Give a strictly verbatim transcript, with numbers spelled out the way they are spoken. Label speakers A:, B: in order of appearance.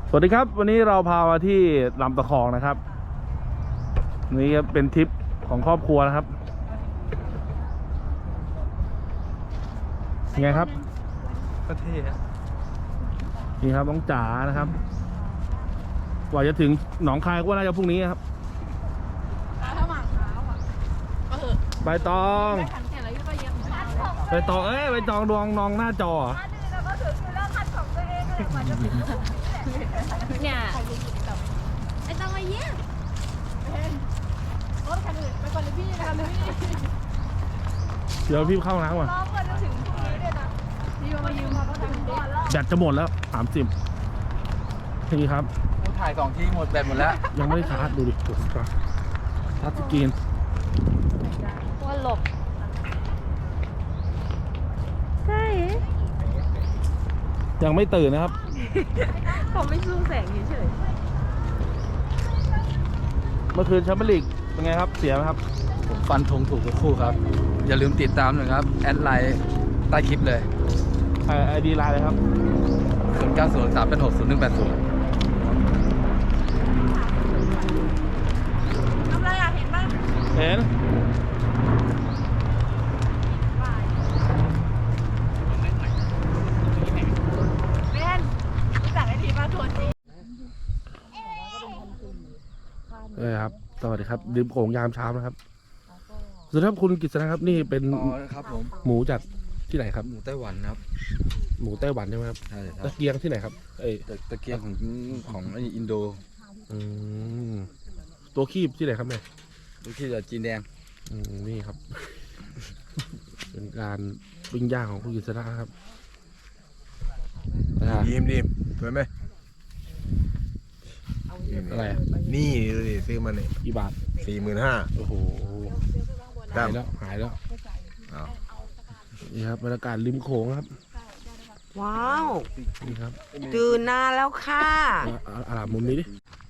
A: สวัสดีครับวันนี้เราพามาที่ลำตะคองนะครับนี่เป็นทริปของครอบครัวนะครับยังไงครับประเทศนี่ครับน้องจ๋านะครับกว่าจะถึงหนองคายก็น่าจะพรุ่งนี้ครับถ้าหมากเท้าอ่ะใบตองใบตองเอ้ยใบตองดวงนองหน้าจอ
B: เนี่ยไอ้ต้องมาเยี่ยมรถคันอื่นไปก่อนเลยพี่ไปก่อนเลยพี่
A: เดี๋ยวพี่เข้าน้ำก่อน
B: รอเพื่อนจะถึงพรุ่งนี้ด้วยนะพี่มายืมมาก็ทำก่อนแล้ว
A: แบตจะหมดแล้วสามสิบนี่ครับ
C: กูถ่ายสองทีหมดแบตหมดแล้ว
A: ยังไม่ได้ชาร์จดูดิชาร์จสกรีน
B: ว่าหลบใช่
A: ยังไม่ตื่นนะครับ
B: เขาไม่สู้แสงเฉย
A: เมื่อคืนแชมเปี้ยนลีกเป็นไงครับเสียไหมครับ
C: ผมฟันธงถูกทุกคู่ครับอย่าลืมติดตามหน่อยครับแอดไลน์ใต้คลิปเลย
A: ไอดีไลน์เลยครับ
C: ศูนย์เก้าศูนย์สามเป็นหกศูนย์หนึ่งแปดศูนย์
B: ทำไรอ่ะเห็นป่ะ
A: เห็น
B: เป็นรู้จักไอทีมาทัวร์จี
A: เออครับสวัสดีครับดื่มโขงยามเช้านะครับสวัสดีครับคุณกฤษณะครับนี่เป็น
C: ครับผม
A: หมูจากที่ไหนครับ
C: หมูไต้หวันครับ
A: หมูไต้หวันใช่ไหมครับ
C: ใช่ครับ
A: ตะเกียงที่ไหนครับเอ้
C: ตะเกียงของของอินโด
A: อืมตัวคีบที่ไหนครับเนี่ย
C: ตัวคีบจากจีนแดง
A: อืมนี่ครับเป็นการปิ้งย่างของคุณกฤษณะครับ
D: ยิ้มดิสวยไหม
A: อะไร
D: นี่ดูดิซื้อมาเนี่ย
A: กี่บาท
D: สี่หมื่นห้า
A: โอ้โหหายแล้วหายแล้วนี่ครับบรรยากาศริมโขงครับ
E: ว้าว
A: นี่ครับ
E: ตื่นนานแล้วค่ะ
A: อาลามุมนี้ดิ